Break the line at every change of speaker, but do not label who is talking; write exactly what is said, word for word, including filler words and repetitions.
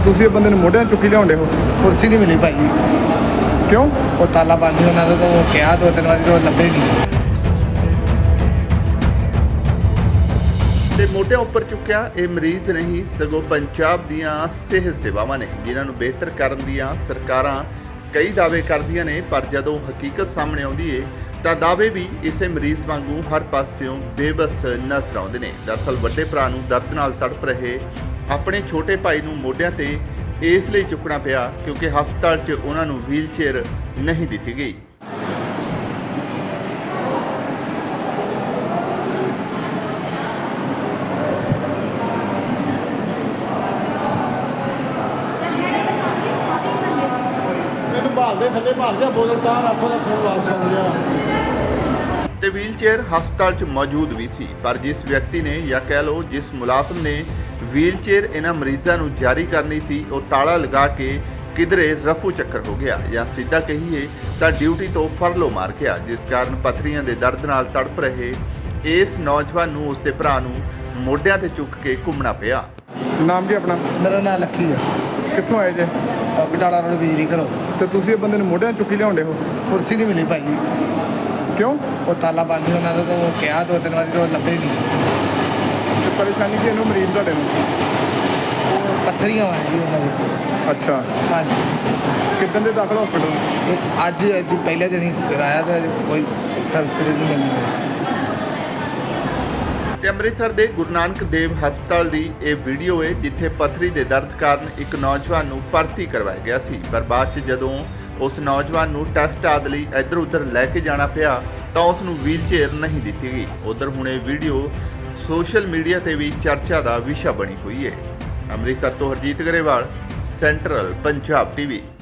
ਤੁਸੀਂ ਇਹ ਬੰਦੇ ਨੂੰ ਮੋਢਿਆਂ 'ਤੇ ਚੁੱਕੀ ਲਿਆਉਂਦੇ ਹੋ?
ਕੁਰਸੀ ਨਹੀਂ ਮਿਲੀ ਭਾਈ।
ਕਿਉਂ?
ਉਹ ਤਾਲਾ ਬੰਦ ਸੀ ਉਹਨਾਂ ਦਾ, ਤਾਂ ਉਹ ਕਿਹਾ ਦੋ ਤਿੰਨ ਵਾਰੀ ਤੋਂ ਲੱਭੇ ਨਹੀਂ।
ਤੇ ਮੋਢਿਆਂ ਉੱਪਰ ਚੁੱਕਿਆ ਇਹ ਮਰੀਜ਼ ਨਹੀਂ ਸਗੋਂ ਪੰਜਾਬ ਦੀਆਂ ਸਿਹਤ ਸੇਵਾਵਾਂ ਨੇ, ਜਿਨ੍ਹਾਂ ਨੂੰ ਬਿਹਤਰ ਕਰਨ ਦੀਆਂ ਸਰਕਾਰਾਂ ਕਈ ਦਾਅਵੇ ਕਰਦੀਆਂ ਨੇ, ਪਰ ਜਦੋਂ ਹਕੀਕਤ ਸਾਹਮਣੇ ਆਉਂਦੀ ਏ ਤਾਂ ਦਾਅਵੇ ਵੀ ਇਸੇ ਮਰੀਜ਼ ਵਾਂਗੂ ਹਰ ਪਾਸਿਓਂ ਬੇਬਸ ਨਜ਼ਰ ਆਉਂਦੇ ਨੇ। ਦਰਅਸਲ ਵੱਡੇ ਭਰਾ ਨੂੰ ਦਰਦ ਨਾਲ ਤੜਪ ਰਹੇ ਆਪਣੇ ਛੋਟੇ ਭਾਈ ਨੂੰ ਮੋਢਿਆਂ ਤੇ ਇਸ ਲਈ ਚੁੱਕਣਾ ਪਿਆ ਕਿਉਂਕਿ ਹਸਪਤਾਲ 'ਚ ਉਹਨਾਂ ਨੂੰ ਵੀਲ ਚੇਅਰ ਨਹੀਂ ਦਿੱਤੀ ਗਈ।
ਭਾਲਦੇ ਥੱਲੇ ਭਾਲ ਗਿਆ, ਬੋਲਣ ਤਾਂ ਰੱਖੋ ਦਾ ਫੋਨ ਵਾਪਸ ਆ ਗਿਆ।
ਤੇ ਵੀਲ ਚੇਅਰ ਹਸਪਤਾਲ 'ਚ ਮੌਜੂਦ ਵੀ ਸੀ, ਪਰ ਜਿਸ ਵਿਅਕਤੀ ਨੇ ਜਾਂ ਕਹਿ ਲਓ ਜਿਸ ਮੁਲਾਜ਼ਮ ਨੇ ਵੀਲ ਚੇਅਰ ਇਹਨਾਂ ਮਰੀਜ਼ਾਂ ਨੂੰ ਜਾਰੀ ਕਰਨੀ ਸੀ, ਉਹ ਤਾਲਾ ਲਗਾ ਕੇ ਕਿਧਰੇ ਰਫੂ ਚੱਕਰ ਹੋ ਗਿਆ ਜਾਂ ਸਿੱਧਾ ਕਹੀਏ ਤਾਂ ਡਿਊਟੀ ਤੋਂ ਫਰਲੋ ਮਾਰ ਗਿਆ, ਜਿਸ ਕਾਰਨ ਪੱਥਰੀਆਂ ਦੇ ਦਰਦ ਨਾਲ ਤੜਪ ਰਹੇ ਇਸ ਨੌਜਵਾਨ ਨੂੰ ਉਸਦੇ ਭਰਾ ਨੂੰ ਮੋਢਿਆਂ ਤੇ ਚੁੱਕ ਕੇ ਘੁੰਮਣਾ ਪਿਆ।
ਨਾਮ ਕੀ ਆਪਣਾ?
ਮੇਰਾ ਨਾਂ ਲੱਕੀ ਆ।
ਕਿੱਥੋਂ ਆਏ ਜੇ?
ਬਟਾਲਾ ਰੋਡ ਬਿਜਲੀ ਘਰੋਂ।
ਤੇ ਤੁਸੀਂ ਇਹ ਬੰਦੇ ਨੂੰ ਮੋਢਿਆਂ 'ਤੇ ਚੁੱਕੀ ਲਿਆਉਂਦੇ ਹੋ?
ਕੁਰਸੀ ਨਹੀਂ ਮਿਲੀ ਭਾਈ।
ਕਿਉਂ?
ਉਹ ਤਾਲਾ ਬੰਦ ਸੀ ਉਹਨਾਂ ਦਾ, ਤਾਂ ਉਹ ਕਿਹਾ ਦੋ ਤਿੰਨ ਵਾਰੀ ਤੋਂ ਲੱਭੇ ਨਹੀਂ।
ਤੇ ਪਰੇਸ਼ਾਨੀ ਕੀ ਇਹਨੂੰ ਮਰੀਜ਼ ਤੁਹਾਡੇ ਨੂੰ?
ਉਹ ਪੱਥਰੀਆਂ ਵਾਂ ਜੀ ਉਹਨਾਂ ਦੇ।
ਅੱਛਾ,
ਹਾਂਜੀ।
ਕਿੱਦਣ ਦੇ ਦਾਖਲ ਹਸਪੀਟਲ?
ਇਹ ਅੱਜ ਅੱਜ ਪਹਿਲੇ ਦਿਨ ਹੀ ਕਰਾਇਆ, ਤਾਂ ਕੋਈ ਫੈਸਿਲਿਟੀ ਨਹੀਂ ਮਿਲਦੀ ਹੈ।
ਤੇ ਅੰਮ੍ਰਿਤਸਰ ਦੇ ਗੁਰੂ ਨਾਨਕ ਦੇਵ ਹਸਪਤਾਲ ਦੀ ਇਹ ਵੀਡੀਓ ਹੈ ਜਿੱਥੇ ਪੱਥਰੀ ਦੇ ਦਰਦ ਕਾਰਨ ਇੱਕ ਨੌਜਵਾਨ ਨੂੰ ਭਰਤੀ ਕਰਵਾਇਆ ਗਿਆ ਸੀ, ਪਰ ਬਾਅਦ 'ਚ ਜਦੋਂ ਉਸ ਨੌਜਵਾਨ ਨੂੰ ਟੈਸਟ ਆਦਿ ਲਈ ਇੱਧਰ ਉੱਧਰ ਲੈ ਕੇ ਜਾਣਾ ਪਿਆ ਤਾਂ ਉਸ ਨੂੰ ਵੀਲ ਚੇਅਰ ਨਹੀਂ ਦਿੱਤੀ ਗਈ। ਉੱਧਰ ਹੁਣ ਇਹ ਵੀਡੀਓ ਸੋਸ਼ਲ ਮੀਡੀਆ ਤੇ ਵੀ ਚਰਚਾ ਦਾ ਵਿਸ਼ਾ ਬਣੀ ਹੋਈ ਹੈ। ਅੰਮ੍ਰਿਤਸਰ ਤੋਂ ਹਰਜੀਤ ਗਰੇਵਾਲ, ਸੈਂਟਰਲ ਪੰਜਾਬ ਟੀਵੀ।